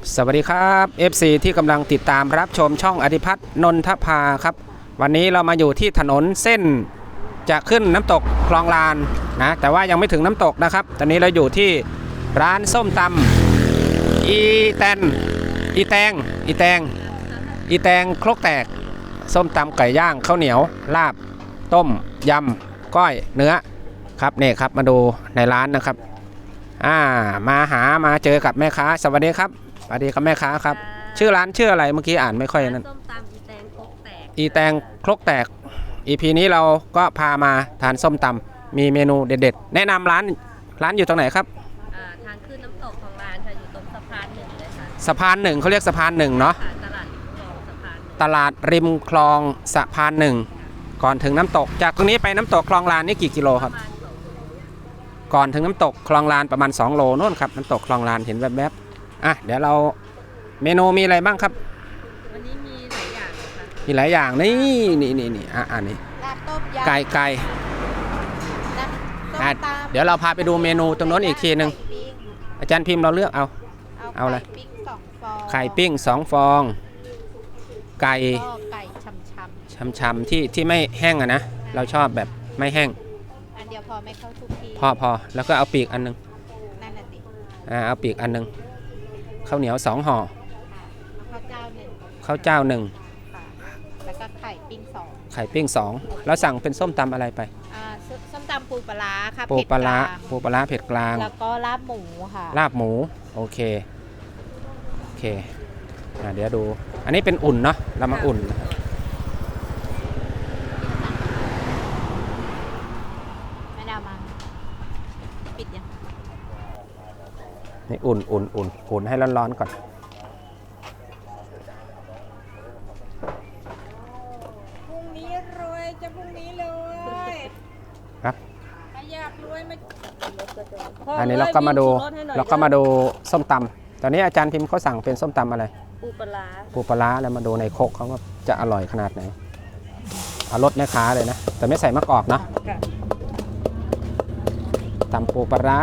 สวัสดีครับ FC ที่กำลังติดตามรับชมช่องอธิพัฒน์นนทภาครับวันนี้เรามาอยู่ที่ถนนเส้นจะขึ้นน้ำตกคลองลานนะแต่ว่ายังไม่ถึงน้ำตกนะครับตอนนี้เราอยู่ที่ร้านส้มตำอีแตงครกแตกส้มตำไก่ย่างข้าวเหนียวลาบต้มยำก้อยเนื้อครับนี่ครับมาดูในร้านนะครับมาเจอกับแม่ค้าสวัสดีครับสวัสดีครับแม่ค้าครับชื่อร้านชื่ออะไรเมื่อกี้อ่านไม่ค่อยนั้นส้มตำอีแตงครกแตกครกแตก EP นี้เราก็พามาทานส้มตำมีเมนูเด็ดๆแนะนำร้านอยู่ตรงไหนครับทางขึ้นน้ำตกของร้านค่ะอยู่ตรงสะพานหนึ่งเลยค่ะสะพานหนึ่งเขาเรียกสะพานหนึ่งเนาะตลาดริมคลองสะพานหนึ่งก่อนถึงน้ำตกจากตรงนี้ไปน้ำตกคลองลานนี่กี่กิโลครับก่อนถึงน้ำตกคลองลานประมาณ2 โลโน่นครับน้ำตกคลองลานเห็นแวบๆเดี๋ยวเราเมนูมีอะไรบ้างครับวันนี้มีหลายอย่างค่ะมีหลายอย่างนี่นี่ลาบต้มยำไก่เดี๋ยวเราพาไปดูเมนูตรงโน้นอีกทีหนึ่งอาจารย์พิมพ์เราเลือกเอาอะไรไข่ปิ้ง2 ฟองไก่ชำที่ไม่แห้งนะเราชอบแบบไม่แห้งอันเดียวพอไม่เข้าทุกทีพอแล้วก็เอาปีกอันนึงนั่นน่ะสิเอาปีกอันนึงข้าวเหนียว2 ห่อข้าวเจ้า1แล้วก็ไข่ปิ้ง 2แล้วสั่งเป็นส้มตำอะไรไปส้มตำปูปลาค่ะปูปลาเผ็ดกลางแล้วก็ลาบหมูค่ะลาบหมูโอเคเดี๋ยวดูอันนี้เป็นอุ่นเนาะเรามาอุ่นไม่ได้มาปิดยังนี่อุ่นให้ร้อนๆก่อนพรุ่งนี้รวยจะพรุ่งนี้เลยครับอยากรวยมาอันนี้เราก็มาดูส้มตำตอนนี้อาจารย์พิมพ์เขาสั่งเป็นส้มตำอะไรปูปลาแล้วมาดูในโคกเขาก็จะอร่อยขนาดไหนเอารสแม่ค้าเลยนะแต่ไม่ใส่มะกอกเนาะตำปูปลา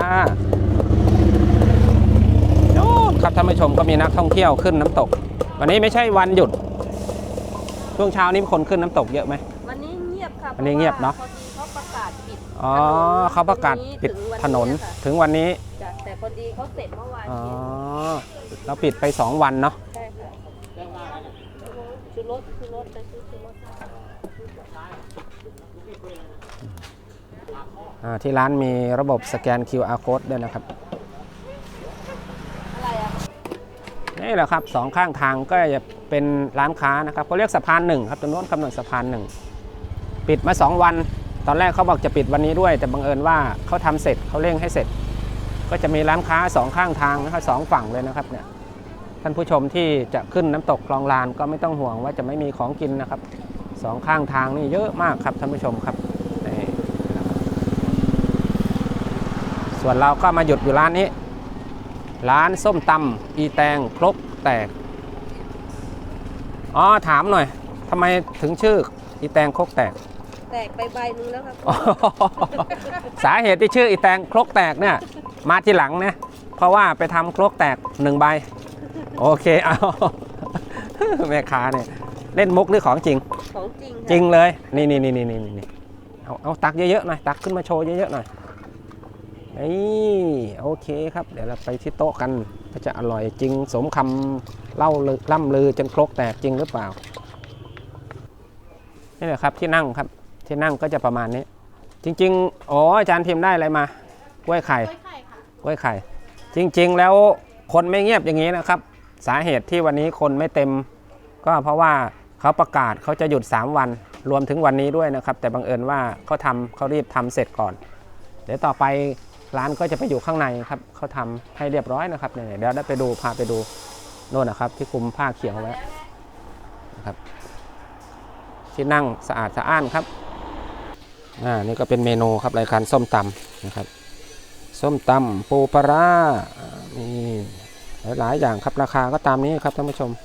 โน่นครับท่านผู้ชมก็มีนักท่องเที่ยวขึ้นน้ำตกวันนี้ไม่ใช่วันหยุดช่วงเช้านี้คนขึ้นน้ำตกเยอะไหมวันนี้เงียบครับวันนี้เงียบเนาะพอดีเขาประกาศปิดเขาประกาศปิดถนนถึงวันนี้แต่พอดีเขาเสร็จเมื่อวานเราปิดไป2 วันเนาะใช่ค่ะชูรสไปซื้อชูรสที่ร้านมีระบบสแกน QR Code ด้วยนะครับนี่แหละครับ2 ข้างทางก็จะเป็นร้านค้านะครับเขาเรียกสะพาน1ครับตรงโน้นกำหนดสะพาน1ปิดมา2 วันตอนแรกเขาบอกจะปิดวันนี้ด้วยแต่บังเอิญว่าเขาทำเสร็จเขาเร่งให้เสร็จก็จะมีร้านค้า2 ข้างทางนะครับ2 ฝั่งเลยนะครับเนี่ยท่านผู้ชมที่จะขึ้นน้ำตกคลองลานก็ไม่ต้องห่วงว่าจะไม่มีของกินนะครับ2 ข้างทางนี่เยอะมากครับท่านผู้ชมครับส่วนเราก็มาหยุดอยู่ร้านนี้ร้านส้มตำอีแตงครกแตกถามหน่อยทำไมถึงชื่ออีแตงครกแตกไปใบนึงแล้วครับสาเหตุที่ชื่ออีแตงครกแตกเนี่ยมาทีหลังนะเพราะว่าไปทำครกแตก1 ใบโอเคเอาแม่ค้าเนี่ยเล่นมุกหรือของจริงจริงเลยนี่เอาตักเยอะๆหน่อยตักขึ้นมาโชว์เยอะๆหน่อยโอเคครับเดี๋ยวเราไปที่โต๊ะกันก็จะอร่อยจริงสมคำเล่าล่ำลือจนครกแตกจริงหรือเปล่านี่แหละครับที่นั่งครับที่นั่งก็จะประมาณนี้จริงๆอาจารย์พิมพ์ได้อะไรมากล้วยไข่จริงๆแล้วคนไม่เงียบอย่างนี้นะครับสาเหตุที่วันนี้คนไม่เต็มก็เพราะว่าเขาประกาศเขาจะหยุด3 วันรวมถึงวันนี้ด้วยนะครับแต่บังเอิญว่าเขารีบทำเสร็จก่อนเดี๋ยวต่อไปร้านก็จะไปอยู่ข้างในครับเขาทำให้เรียบร้อยนะครับเนี่ยเดี๋ยวได้พาไปดูโน่นนะครับที่คลุมผ้าเขียวไว้นะครับที่นั่งสะอาดสะอ้านครับนี่ก็เป็นเมนูครับรายการส้มตำนะครับส้มตำปูปลามีหลายอย่างครับราคาก็ตามนี้ครับท่านผู้ชม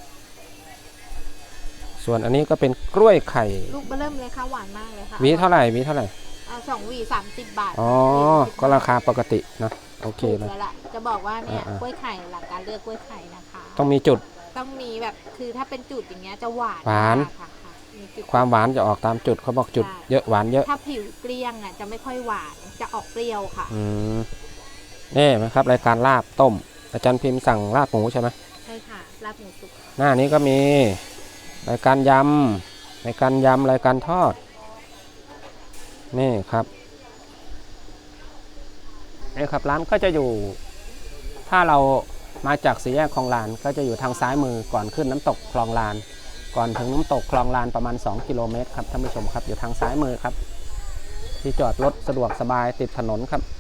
ส่วนอันนี้ก็เป็นกล้วยไข่ลูกเบิ่มเลยค่ะหวานมากเลยค่ะหวีเท่าไหร่ 2 หวี30 บาทก็ราคาปกติเนาะโอเคถูกเลยแล้วล่ะจะบอกว่าเนี่ยอ่าๆกล้วยไข่หลักการเลือกกล้วยไข่นะคะต้องมีจุดต้องมีแบบคือถ้าเป็นจุดอย่างเงี้ยจะหวานหวานมกค่ะมีจุดความหวานจะออกตามจุดเขาบอกจุดใช่เยอะหวานเยอะถ้าผิวเกลี้ยงอ่ะจะไม่ค่อยหวานจะออกเปรี้ยวค่ะอืมนี่นะครับรายการลาบต้ม อาจารย์พิมพ์สั่งลาบหมูใช่ไหมใช่ค่ะลาบหมูสุกหน้านี้ก็มีรายการยำรายการยำรายการทอด นี่ครับนี่ครับร้านก็จะอยู่ ถ้าเรามาจากสี่แยกคลองลานก็จะอยู่ทางซ้ายมือก่อนขึ้นน้ำตกคลองลาน ก่อนถึงน้ำตกคลองลานประมาณ2 กิโลเมตรครับท่านผู้ชมครับอยู่ทางซ้ายมือครับ ที่จอดรถสะดวกสบายติดถนนครับ